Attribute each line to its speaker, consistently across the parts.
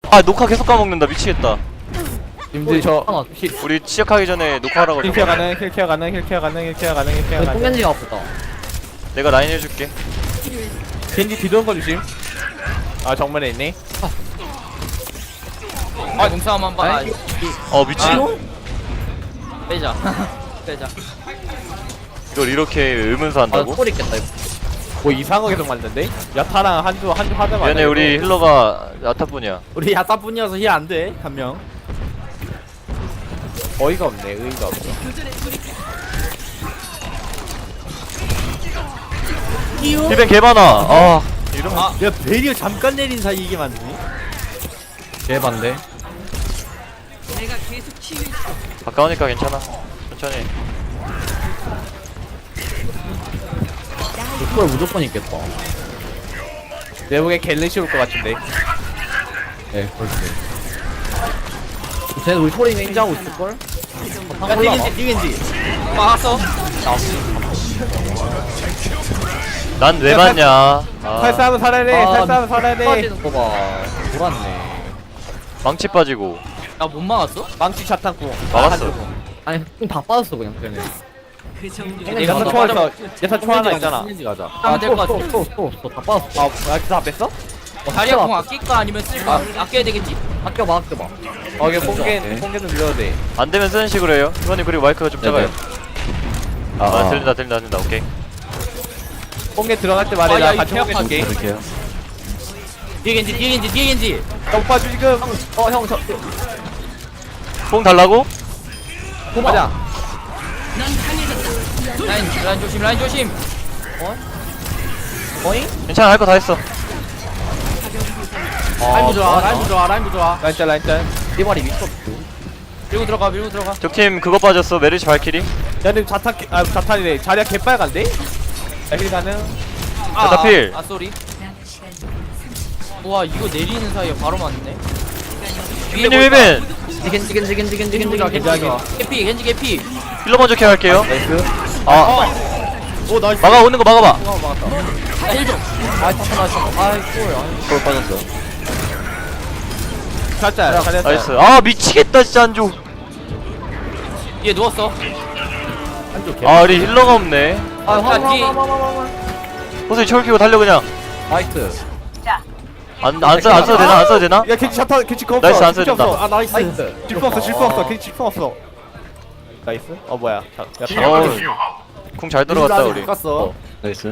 Speaker 1: 아 녹화 계속 까먹는다 미치겠다.
Speaker 2: 님들 저
Speaker 1: 우리 시작하기 전에 녹화하라고.
Speaker 2: 힐케어 가능 힐케어 가능 힐케어 가능 힐케어 가능 힐케어 가능.
Speaker 3: 뽕겐지가 아프다.
Speaker 1: 내가 라인 해줄게.
Speaker 2: 겐지 뒤도는 거 조심. 아 정면에 있네.
Speaker 4: 아 몸싸움 한번
Speaker 1: 어 미친.
Speaker 4: 빼자 빼자.
Speaker 1: 이걸 이렇게 의문사
Speaker 3: 아,
Speaker 1: 한다고?
Speaker 3: 콜 있겠다, 이거.
Speaker 2: 뭐 이상한 거 계속 만드는데? 야타랑 한주 하자마자.
Speaker 1: 미안해 우리 힐러가 야타뿐이야.
Speaker 5: 우리 야따뿐이어서 힐 안돼 한 명.
Speaker 2: 어이가 없네 의의가 없어.
Speaker 1: 힐벤 개많아. 아 이런.
Speaker 5: 야 베리어 잠깐 내린 사이 이게 맞니?
Speaker 3: 개반대.
Speaker 1: 가까우니까 괜찮아. 천천히.
Speaker 3: 콜 무조건 있겠다.
Speaker 2: 내 보기엔 갤리시 올 것 같은데.
Speaker 3: 네, 그렇지. 쟤는 우리 콜이 인지하고 있을걸?
Speaker 5: 야 뛰겐지 뛰겐지.
Speaker 4: 막았어.
Speaker 1: 난 왜 맞냐? 아
Speaker 2: 탈싸움은 살아야 돼. 탈싸움은 살아야 돼.
Speaker 3: 빠지는 거 봐. 돌았네.
Speaker 1: 망치 빠지고
Speaker 4: 나 못 막았어?
Speaker 2: 망치 차탄구.
Speaker 1: 막았어.
Speaker 3: 아니, 다 빠졌어, 그냥, 쟤네.
Speaker 4: 내가
Speaker 2: 야타
Speaker 4: 더
Speaker 2: 초월서 야타 초 하나 있잖아.
Speaker 5: 뛰겐지 가자.
Speaker 4: 아, 될것 같아.
Speaker 3: 다 빠졌어.
Speaker 2: 아 야타 다 뺐어?
Speaker 4: 자리야 공 아낄까 아니면 쓸까? 아껴야 되겠지.
Speaker 3: 아껴봐, 아껴봐.
Speaker 2: 어 이게 뽕겐 좀 밀어도 돼.
Speaker 1: 안 되면 쓰는 식으로 해요. 이번에 그리고 마이크가 좀 작아요. 아 들린다 오케이.
Speaker 2: 뽕겐 들어갈 때 말해
Speaker 4: 아,
Speaker 2: 나
Speaker 4: 야,
Speaker 2: 같이
Speaker 4: 이
Speaker 2: 뽕겐 줄게.
Speaker 5: 이렇게요. 뒤겐지.
Speaker 2: 오빠 지금
Speaker 3: 형,
Speaker 1: 뽕 달라고?
Speaker 2: 가자.
Speaker 4: 라인 조심.
Speaker 1: 괜찮아 할 거 다 했어.
Speaker 5: 라인부 좋아. 라인부 좋아.
Speaker 2: 라인짤.
Speaker 3: 띠발이 미쳤어.
Speaker 4: 밀고 들어가.
Speaker 1: 적팀 그거 빠졌어. 메르시 발키리.
Speaker 2: 야님 자탄이래. 자리야 개빨간데? 힐 가능.
Speaker 1: 나 필.
Speaker 4: 아 쏘리. 와 이거 내리는 사이에 바로 맞네.
Speaker 1: 힐벤 힐벤.
Speaker 4: 겐지 개피.
Speaker 1: 힐러 먼저 케어할게요.
Speaker 2: 나이스.
Speaker 1: 아
Speaker 5: 오 나이스.
Speaker 1: 막아 오는 거 막아봐.
Speaker 4: 힐 좀.
Speaker 1: 골 빠졌어.
Speaker 2: 자짤.
Speaker 1: 나이스. 아 미치겠다 진짜 안조.
Speaker 4: 얘 누웠어.
Speaker 1: 아 우리 힐러가 없네.
Speaker 4: 야 뒤.
Speaker 1: 호수이 철 키고 달려 그냥.
Speaker 3: 나이스.
Speaker 1: 안 써도 되나?
Speaker 2: 야 겐지 자탄 겐지 거 없어.
Speaker 1: 나이스, 안
Speaker 2: 겐지
Speaker 1: 써진다.
Speaker 2: 없어. 아 나이스.
Speaker 3: 나이스.
Speaker 2: 질풍 없어. 겐지 질풍 없어. 나이스. 어 뭐야?
Speaker 1: 궁잘 들어갔다 우리.
Speaker 5: 갔어.
Speaker 3: 나이스.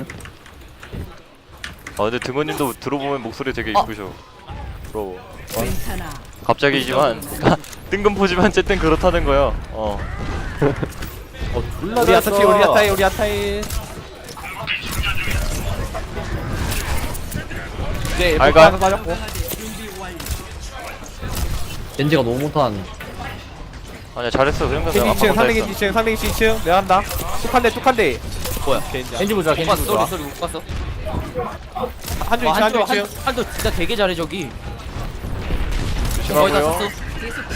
Speaker 1: 아 근데 등원님도 들어보면 목소리 되게 이쁘셔. 부러워. 갑자기지만 뜬금포지만 어쨌든 그렇다는 거요.
Speaker 2: 우리 야타치 우리 야타이. 이제
Speaker 1: 알가.
Speaker 2: 폭파해서 빠졌고.
Speaker 3: 겐지가 너무 못한.
Speaker 1: 아니야 잘했어. 그런 거
Speaker 2: 겐지
Speaker 1: 내가
Speaker 2: 2층,
Speaker 1: 한번
Speaker 2: 3대 겐지 2층, 3대 겐지 2층. 내가 한다. 툭한대.
Speaker 4: 뭐야?
Speaker 2: 겐지.
Speaker 5: 겐지 보자.
Speaker 4: 못
Speaker 5: 겐지
Speaker 4: 봤어.
Speaker 5: 보자.
Speaker 4: 쏘리 못 봤어.
Speaker 2: 한주 2층, 한주 2층.
Speaker 4: 한도 진짜 되게 잘해 저기. 거의 다
Speaker 1: 조심하고요.
Speaker 4: 썼어.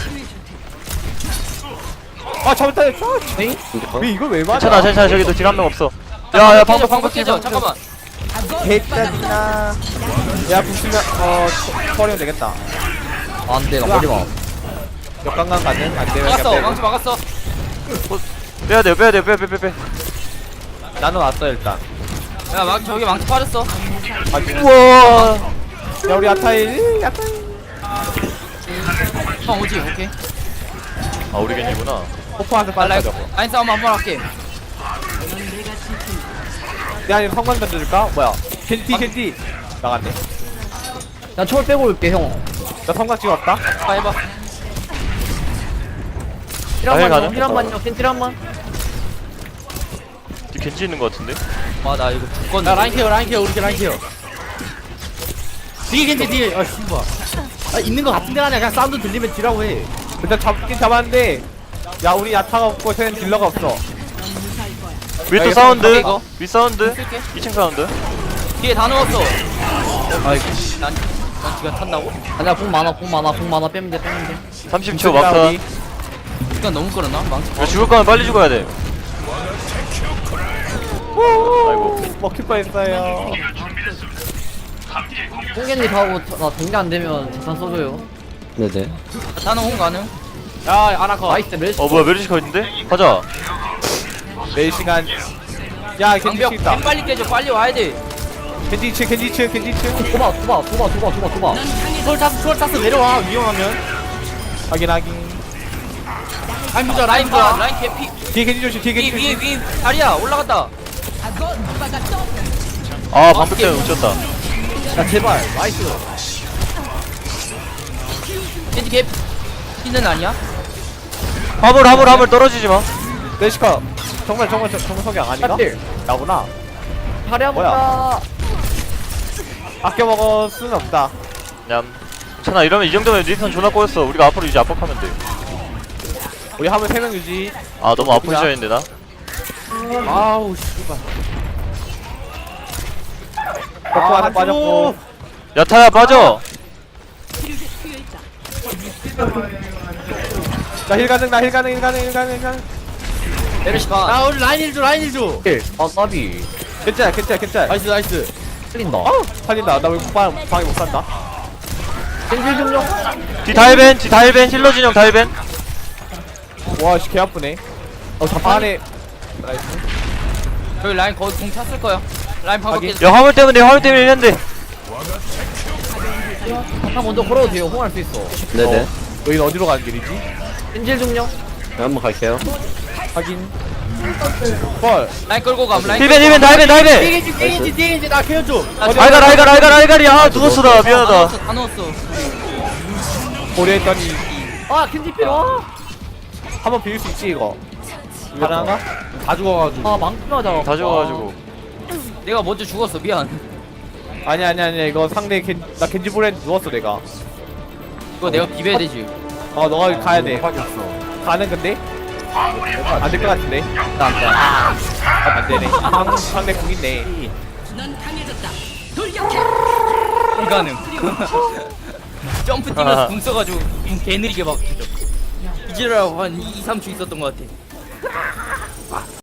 Speaker 2: 아 잘못다. 왜 이걸 왜 맞아?
Speaker 1: 괜찮아 저기도 딜 한 명 없어. 야야 방금
Speaker 4: 깨져. 잠깐만.
Speaker 2: 개짜증나. 야 붙으면 처리면 되겠다.
Speaker 3: 안 돼, 나 머리 봐.
Speaker 2: 역강강 가능? 안 되면
Speaker 4: 막았어.
Speaker 2: 그냥
Speaker 4: 망치 막았어.
Speaker 1: 빼야 돼요. 빼.
Speaker 2: 빼. 나는 왔어 일단.
Speaker 4: 야 저기 망치 빠졌어.
Speaker 1: 우와.
Speaker 2: 야 우리 야타이.
Speaker 4: 형 오지. 오케이.
Speaker 1: 아 우리 겐지구나.
Speaker 2: 폭포한테
Speaker 4: 아, 라인
Speaker 2: 빠져고.
Speaker 4: 라인 싸움 한번 할게.
Speaker 2: 야 이거 성광 던져줄까? 뭐야? 겐지 나갔네.
Speaker 3: 나 초월 빼고 올게, 형.
Speaker 2: 나 성광 찍었다.
Speaker 4: 아 해봐.
Speaker 1: 힐 가능?
Speaker 3: 힐한만요, 힐한만.
Speaker 1: 뒤 겐지 있는 거 같은데?
Speaker 4: 와 나 이거 죽건.
Speaker 5: 야 라인 케어 우리 라인 케어. 뒤에. 아 씨발. 아 있는 거 같은데 아니야. 그냥 사운드 들리면 뒤라고 해.
Speaker 2: 일단 잡긴 잡았는데. 야 우리 야타가 없고 쟤는 딜러가 없어.
Speaker 1: 위에 또
Speaker 2: 이거
Speaker 1: 사운드.
Speaker 4: 이거?
Speaker 1: 위 사운드.
Speaker 4: 쓸게.
Speaker 1: 2층 사운드.
Speaker 4: 뒤에 다 넣었어.
Speaker 3: 아이고.
Speaker 4: 난 지가 탄다고?
Speaker 3: 아니야, 공 많아. 빼면 돼.
Speaker 1: 30초 막타.
Speaker 4: 시간 너무 끌었나? 망치.
Speaker 1: 이거 죽을 거면 빨리 죽어야 돼. 아이고.
Speaker 2: 먹힐 뻔했어요.
Speaker 3: 뽕겐지 가고 나 동계 안 되면 재산 써줘요.
Speaker 6: 네네.
Speaker 4: 자탄은 홍 가능.
Speaker 2: 야 아나커
Speaker 3: 나이스 멜시.
Speaker 1: 뭐야 메르시가 있는데? 가자.
Speaker 2: 매일 시간 야 겐지
Speaker 4: 방벽
Speaker 2: 있다
Speaker 4: 빨리 깨져. 빨리 와야 돼.
Speaker 2: 겐지 2층 겐지 2층 겐지 2층
Speaker 3: 도봐.
Speaker 5: 추월 탔어 내려와 위험하면.
Speaker 2: 확인 확인
Speaker 5: 라인 보자
Speaker 4: 라인
Speaker 5: 라인
Speaker 4: 봐.
Speaker 5: 보자.
Speaker 4: 라인 개피.
Speaker 2: 뒤에 겐지 조심 뒤에
Speaker 4: 위
Speaker 2: 겐지
Speaker 4: 위
Speaker 2: 조심
Speaker 4: 위. 다리야 올라갔다.
Speaker 1: 아 방벽 때문에 놓쳤다.
Speaker 3: 야 제발. 나이스.
Speaker 4: 겐지 개피. 는 아니야?
Speaker 1: 화물 떨어지지 마.
Speaker 2: 메시카 정말 성경 아닌가?
Speaker 3: 샷딜.
Speaker 2: 나구나
Speaker 3: 자리 한번
Speaker 2: 뭐야?
Speaker 3: 가.
Speaker 2: 아껴 먹을 수는 없다
Speaker 1: 냠. 괜찮아 이러면 이 정도면 리턴 존나 꼬였어. 우리가 앞으로 이제 압박하면 돼.
Speaker 2: 우리 화물 3명 유지
Speaker 1: 아 너무 아픈 시절인데 나.
Speaker 2: 아우 씨발 덕후 하나 빠졌고
Speaker 1: 야타야 빠져.
Speaker 2: 나힐 가능
Speaker 4: 메르시 봐.
Speaker 5: 아 우리 라인 1줘 라인 1줘.
Speaker 3: 아 까비.
Speaker 2: 괜찮아
Speaker 5: 나이스.
Speaker 3: 틀린다.
Speaker 2: 살린다 나 왜 방에 못 산다
Speaker 3: 겐질 좀요.
Speaker 1: 뒤 다일벤 힐러 진영 다일벤.
Speaker 2: 와씨 개 아프네 안에 나이스
Speaker 4: 저기 라인 거의 공 찼을 거야. 라인 방벽
Speaker 2: 확인.
Speaker 4: 깨져.
Speaker 1: 야 화물 때문에 이랬는데.
Speaker 3: 한 먼저 걸어도 돼요. 홍할 수 있어.
Speaker 6: 네네.
Speaker 2: 여기는 어디로 가는 길이지?
Speaker 3: 겐질 좀요.
Speaker 6: 네, 한번 갈게요.
Speaker 2: 확인 헐
Speaker 4: 라인 끌고 감. 라인.
Speaker 1: 힐벤 다일벤.
Speaker 5: 뒤에 나 케어줘.
Speaker 1: 알갈이 아 누웠어 나 미안하다.
Speaker 4: 다 넣었어.
Speaker 2: 고려했더니
Speaker 3: 아 겐질 필요.
Speaker 2: 한번 비울 수 있지 이거 가능한가? 다 죽어가지고
Speaker 3: 아 망치하자.
Speaker 1: 다 죽어가지고.
Speaker 4: 내가 먼저 죽었어. 미안.
Speaker 2: 아니야 이거 상대 나 겐지볼에 누웠어 내가
Speaker 4: 이거 내가 비벼야 되지.
Speaker 2: 너가 가야돼 가는 건데? 안 될 것 같은데? 안 되네 상대 공 있네
Speaker 4: 불가능. 점프 뛰면서 궁 써가지고 개 느리게 막 이지라고 한 2, 3초 있었던 것 같아.